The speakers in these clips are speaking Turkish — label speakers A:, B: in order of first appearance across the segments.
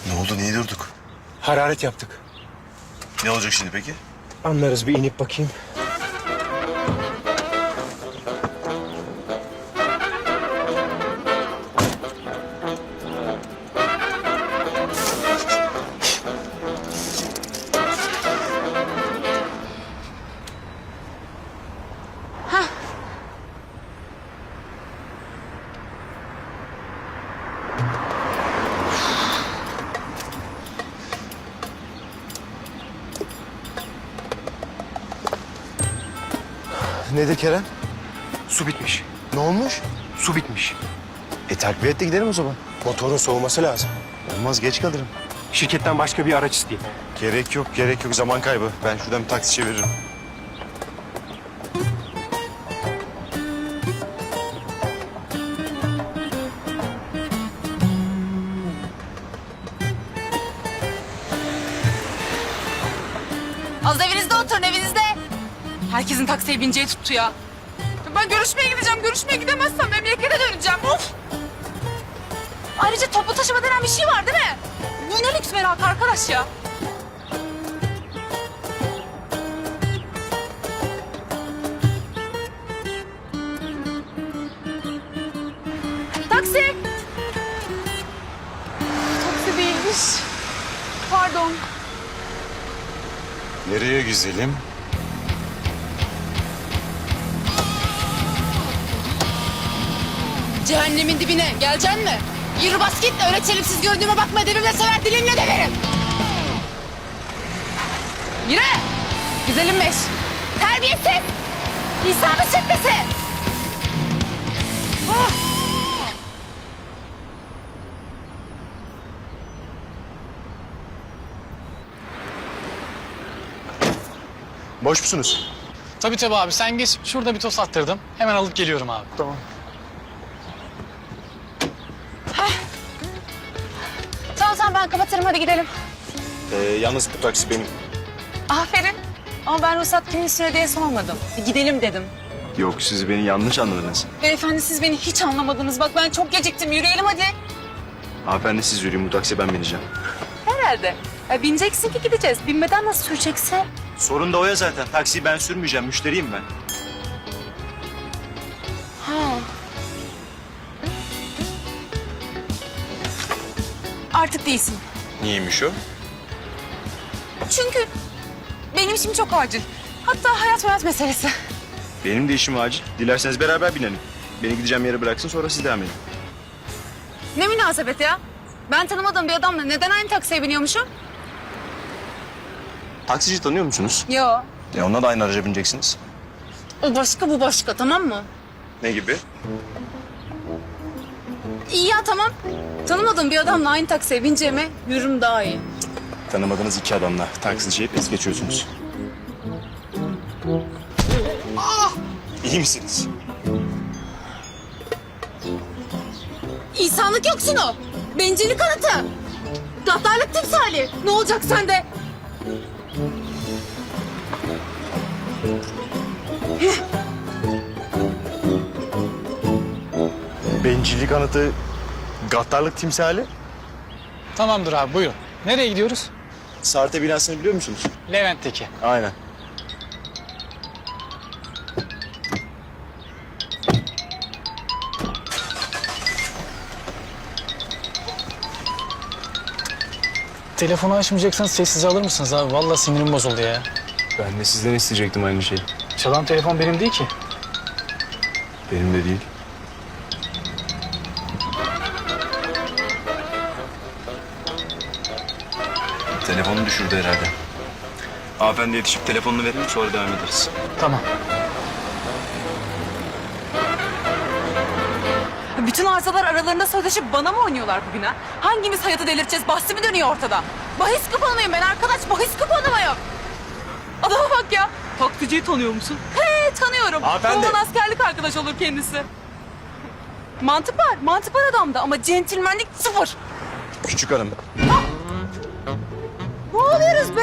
A: Ne oldu? Niye durduk?
B: Hararet yaptık.
A: Ne olacak şimdi peki?
B: Anlarız, bir inip bakayım.
A: Nedir Kerem?
B: Su bitmiş.
A: Ne olmuş?
B: Su bitmiş.
A: Takviye et de gidelim o zaman.
B: Motorun soğuması lazım.
A: Olmaz, geç kalırım.
B: Şirketten başka bir araç isteyeyim.
A: Gerek yok, gerek yok. Zaman kaybı. Ben şuradan bir taksi çeviririm.
C: Az evinizde oturun, evinizde. Herkesin taksiye bineceği tuttu ya. Ben görüşmeye gideceğim. Görüşmeye gidemezsem memlekete döneceğim. Of! Ayrıca toplu taşıma denen bir şey var değil mi? Bu ne lüks merak arkadaş ya. Taksi! Taksi değilmiş. Pardon.
A: Nereye güzelim?
C: Cehennemin dibine geleceksin mi? Yürü bas git, öyle çelimsiz göründüğüme bakma, edebimle sever, dilimle döverim. Yürü! Güzelimmiş. Terbiyesiz! İnsan çıkması! Oh!
A: Boş musunuz?
D: Tabii abi, sen geç. Şurada bir tost attırdım. Hemen alıp geliyorum abi.
A: Tamam.
C: Tamam ben kapatırım, hadi gidelim.
A: Yalnız bu taksi benim.
C: Aferin. Ama ben ruhsat kimin istiyor diye sormadım. Gidelim dedim.
A: Yok, siz beni yanlış anladınız.
C: Beyefendi siz beni hiç anlamadınız. Bak ben çok geciktim. Yürüyelim hadi.
A: Hanımefendi siz yürüyün, bu taksiye ben bineceğim.
C: Herhalde. Bineceksin ki gideceğiz. Binmeden nasıl süreceksin?
A: Sorun da o ya zaten. Taksiyi ben sürmeyeceğim, müşteriyim ben.
C: Ha. Artık değilsin.
A: Niyeymiş o?
C: Çünkü benim işim çok acil. Hatta hayat meselesi.
A: Benim de işim acil. Dilerseniz beraber binelim. Beni gideceğim yere bıraksın, sonra siz devam edin.
C: Ne münasebet ya? Ben tanımadığım bir adamla neden aynı taksiye biniyormuşum?
A: Taksici tanıyor musunuz?
C: Yo.
A: Onunla da aynı araca bineceksiniz.
C: O başka bu başka, tamam mı?
A: Ne gibi?
C: İyi ya, tamam. Tanımadığım bir adamla aynı taksiye bineceğime yürürüm daha iyi.
A: Tanımadığınız iki adamla taksiciyi es geçiyorsunuz. İyi misiniz?
C: İnsanlık yoksunu. Bencillik kanıtı. Gaddarlık timsali. Ne olacak sende?
A: Bencillik anıtı, gaddarlık timsali.
D: Tamamdır abi, buyurun. Nereye gidiyoruz?
A: Sarte binasını biliyor musunuz?
D: Levent'teki.
A: Aynen.
D: Telefonu açmayacaksanız sessize alır mısınız abi? Vallahi sinirim bozuldu ya.
A: Ben de sizden isteyecektim aynı şeyi.
D: Çalan telefon benim değil ki.
A: Benim de değil. Telefonu düşürdü herhalde. Hanımefendi yetişip telefonunu verin, sonra devam ederiz.
D: Tamam.
C: Bütün arsalar aralarında sözleşip bana mı oynuyorlar bugün ha? Hangimiz hayatı delirteceğiz? Bahsi mi dönüyor ortada? Bahis kuponuyum ben arkadaş. Bahis kuponuyum. Adama bak ya. Taksiciyi tanıyor musun? He, tanıyorum.
A: Hanımefendi.
C: Ondan askerlik arkadaş olur kendisi. Mantık var adamda ama centilmenlik sıfır.
A: Küçük hanım.
C: Ne oluyoruz be?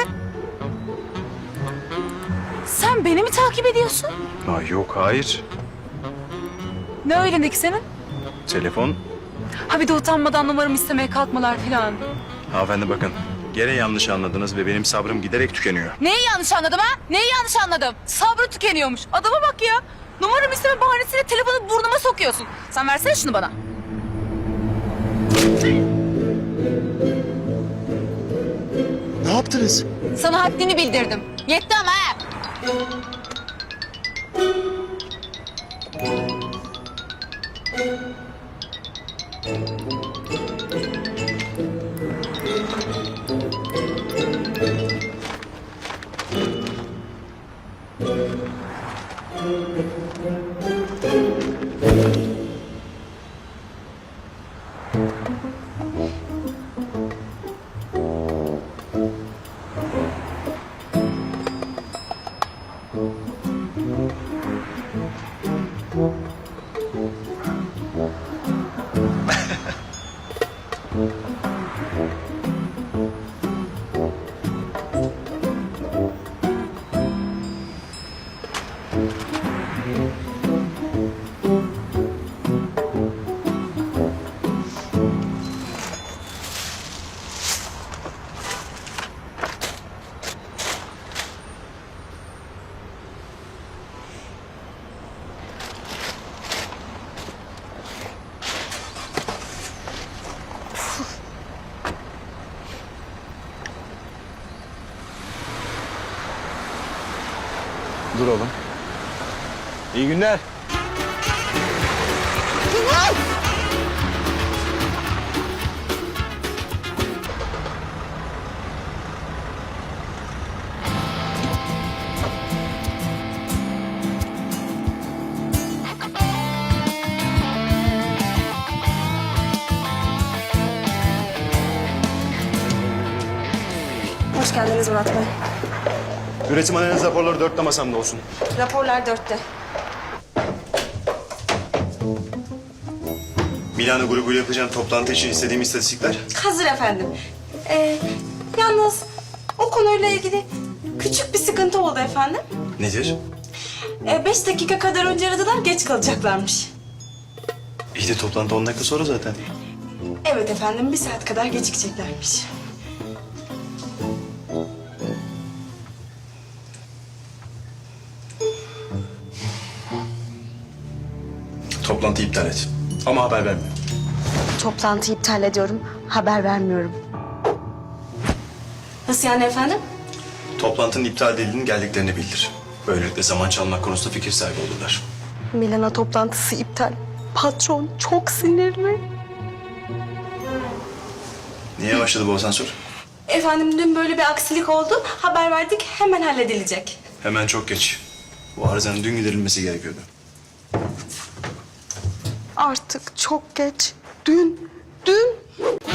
C: Sen beni mi takip ediyorsun?
A: Yok, hayır.
C: Ne öylendeki senin?
A: Telefon.
C: Ha bir de utanmadan numaramı istemeye kalkmalar filan.
A: Hanımefendi bakın. Gene yanlış anladınız ve benim sabrım giderek tükeniyor.
C: Neyi yanlış anladım ha? Neyi yanlış anladım? Sabrı tükeniyormuş. Adama bak ya. Numaramı isteme bahanesiyle telefonu burnuma sokuyorsun. Sen versene şunu bana.
B: Ne yaptınız?
C: Sana haddini bildirdim. Yetti ama ha.
A: Dur oğlum. İyi günler.
E: Hoş geldiniz Murat Bey.
A: Üretim analiz raporları 4'te masamda olsun.
E: Raporlar 4'te.
A: Milano grubuyla yapacağım toplantı için istediğim istatistikler.
E: Hazır efendim. Yalnız o konuyla ilgili küçük bir sıkıntı oldu efendim.
A: Nedir?
E: 5 dakika kadar önce aradılar, geç kalacaklarmış.
A: İyi de toplantı 10 dakika sonra zaten.
E: Evet efendim, 1 saat kadar gecikeceklermiş.
A: Toplantıyı iptal et. Ama haber verme.
E: Toplantıyı iptal ediyorum, haber vermiyorum. Nasıl yani efendim?
A: Toplantının iptal edildiğini geldiklerini bildir. Böylelikle zaman çalmak konusunda fikir sahibi olurlar.
E: Milana toplantısı iptal. Patron çok sinirli.
A: Niye başladı bu asansör?
E: Efendim dün böyle bir aksilik oldu. Haber verdik, hemen halledilecek.
A: Hemen çok geç. Bu arızanın dün giderilmesi gerekiyordu.
E: Artık çok geç. Dün.